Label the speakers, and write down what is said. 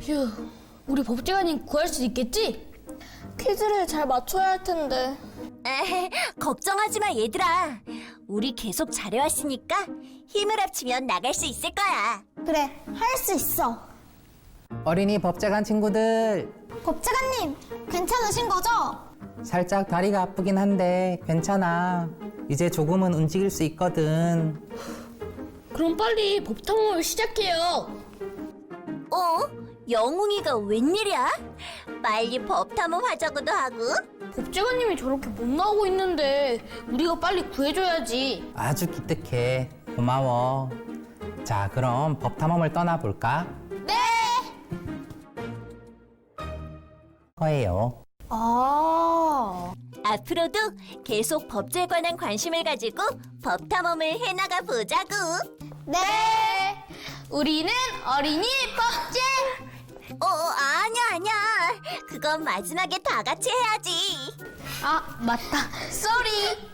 Speaker 1: 휴, 우리 법제관님 구할 수 있겠지?
Speaker 2: 퀴즈를 잘 맞춰야 할 텐데.
Speaker 3: 에헤, 걱정하지 마, 얘들아. 우리 계속 잘해왔으니까 힘을 합치면 나갈 수 있을 거야.
Speaker 2: 그래, 할 수 있어.
Speaker 4: 어린이 법제관 친구들,
Speaker 2: 법제관님, 괜찮으신 거죠?
Speaker 4: 살짝 다리가 아프긴 한데 괜찮아. 이제 조금은 움직일 수 있거든.
Speaker 1: 그럼 빨리 법탐험을 시작해요.
Speaker 3: 어? 영웅이가 웬일이야? 빨리 법탐험 하자고도 하고.
Speaker 1: 법제관님이 저렇게 못 나오고 있는데 우리가 빨리 구해줘야지.
Speaker 4: 아주 기특해. 고마워. 자, 그럼 법탐험을 떠나볼까?
Speaker 1: 네!
Speaker 4: 거예요.
Speaker 3: 앞으로도 계속 법제에 관한 관심을 가지고 법탐험을 해나가 보자고.
Speaker 2: 네.
Speaker 1: 우리는 어린이 법제!
Speaker 3: 아니야. 그건 마지막에 다 같이 해야지.
Speaker 1: 아, 맞다. 쏘리!